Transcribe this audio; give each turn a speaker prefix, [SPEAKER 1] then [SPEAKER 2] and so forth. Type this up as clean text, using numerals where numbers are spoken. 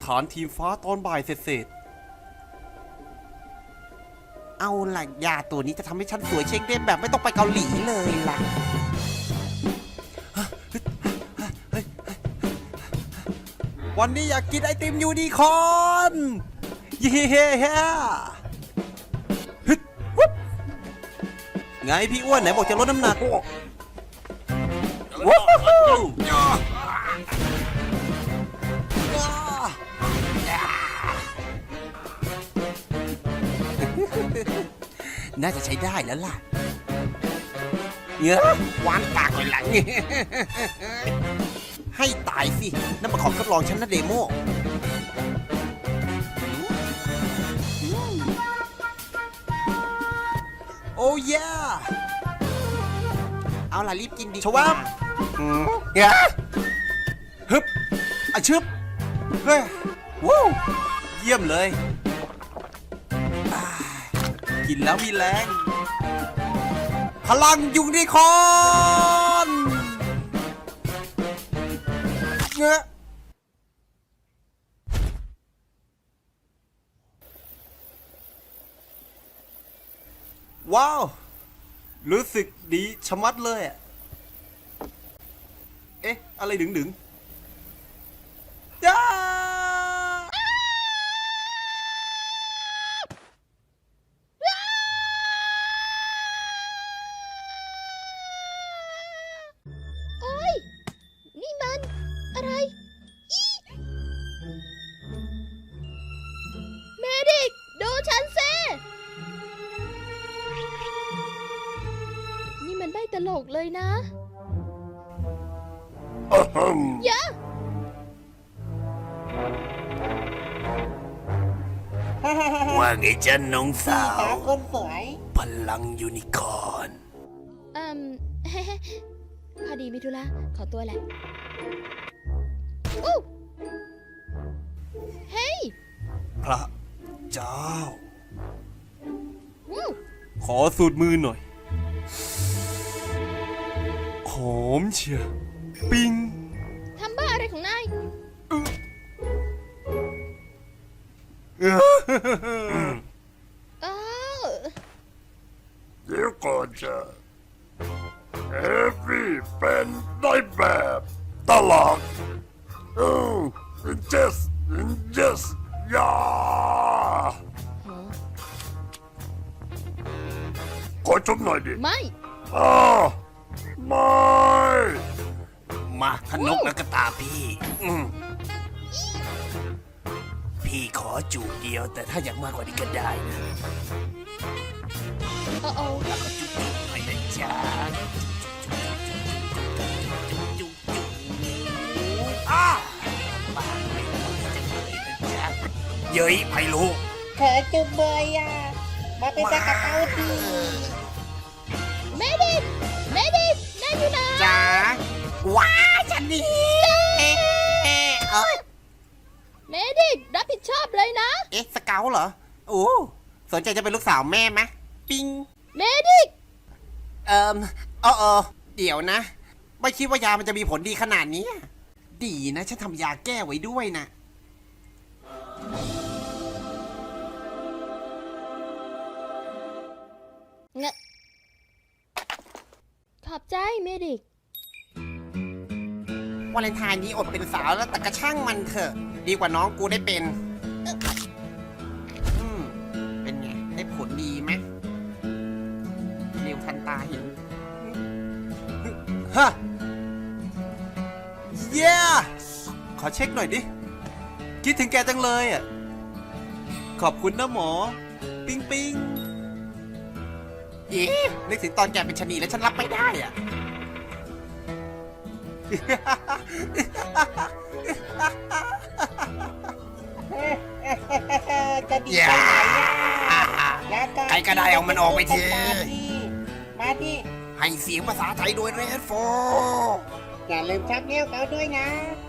[SPEAKER 1] านทีมฟ้าตอนบ่ายเสร็จเอาล่ะยาตัวนี้จะทำให้ฉันสวยเช็คเด้งแบบไม่ต้องไปเกาหลีเลยล่ะวันนี้อยากกินไอติมยูนิคอร์นเย้ไงพี่อ้วนไหนบอกจะลดน้ำหนักว้าวน่าจะใช้ได้แล้วล่ะเงี้ยวานปากเลยหลังให้ตายสินั่นมาของทดลองฉันนะเดโมโอ้ยเอาล่ะรีบกินดีชวับเงี้ยฮึบอะชึบเฮ้ยวู้เยี่ยมเลยกินแล้วมีแรงพลังยูนิคอร์นเงี้ยว้าวรู้สึกดีชะมัดเลยอ่ะเอ๊ะอะไรดึงย่า
[SPEAKER 2] โอ้ยนี่มันอะไรเมดิกดูฉันซินี่มันไม่ตลกเลยนะอย่า
[SPEAKER 1] ว่าไงจ๊ะน้องสาว
[SPEAKER 3] คนสวย
[SPEAKER 1] พลังยูนิคอร์น
[SPEAKER 2] พอดีมิธุระขอตัวแหละอู้เฮ้ย
[SPEAKER 1] พระเจ้า
[SPEAKER 2] อู้
[SPEAKER 1] ขอสูตรมือหน่อยหอมเชียปิ้ง
[SPEAKER 2] ทำบ้าอะไรของนายอ้าว
[SPEAKER 4] เดี๋ยวก่อนจะเอฟวี่เป็นได้แบบตลอดyes อย่ากดชมหน่อยดิ
[SPEAKER 2] ไม่
[SPEAKER 4] ไม่
[SPEAKER 1] มาพนกแล้วก็ตาพี่พี่ขอจูบเดียวแต่ถ้าอยากมากกว่านี้ก็ได้นะ
[SPEAKER 2] โอ้โอ้
[SPEAKER 1] แล้วก็จุ๊บๆหน่อยนะจ๊ะจุ๊บอ้าปากไม่ไหวจะเลยนะจ๊ะเย้ยไพลูก
[SPEAKER 3] เธอจุบเบยอ่ะ มาเป็นตะกะเต้าที
[SPEAKER 2] เมดิกนายอยู่ไหน
[SPEAKER 1] จ๋าว้าฉันนี่เอ้ย
[SPEAKER 2] เมดิกรับผิดชอบเลยนะ
[SPEAKER 1] เอ๊ะสเกลเหรอโอ้สนใจจะเป็นลูกสาวแม่ไหมปิง
[SPEAKER 2] เมดิก
[SPEAKER 1] เดี๋ยวนะ ไม่คิดว่ายามันจะมีผลดีขนาดนี้ ดีนะฉันทำยาแก้ไว้ด้วยนะ
[SPEAKER 2] ขอบใจเมดิก
[SPEAKER 1] วาเลนไทน์นี้อดเป็นสาวแล้วแต่กระช่างมันเถอะ ดีกว่าน้องกูได้เป็นเป็นไง ได้ผลดีไหมเร็วทันตาเห็นฮะเย้ขอเช็คหน่อยดิ คิดถึงแกจังเลยอ่ะ ขอบคุณนะหมอ ปิ๊งปิ๊งอีนึกถึงตอนแกเป็นชะนีแล้วฉันรับไม่ได้อ่ะ
[SPEAKER 3] จะดี
[SPEAKER 1] อย่า
[SPEAKER 3] ไปไหนอ่ะแล้ว
[SPEAKER 1] ใครก็ได้เอามันออกไปที
[SPEAKER 3] มาที่
[SPEAKER 1] ให้เสียงภาษาไทยโดยเรดโฟ
[SPEAKER 3] อย่าลืมชักเลี้ยวเขาด้วยนะ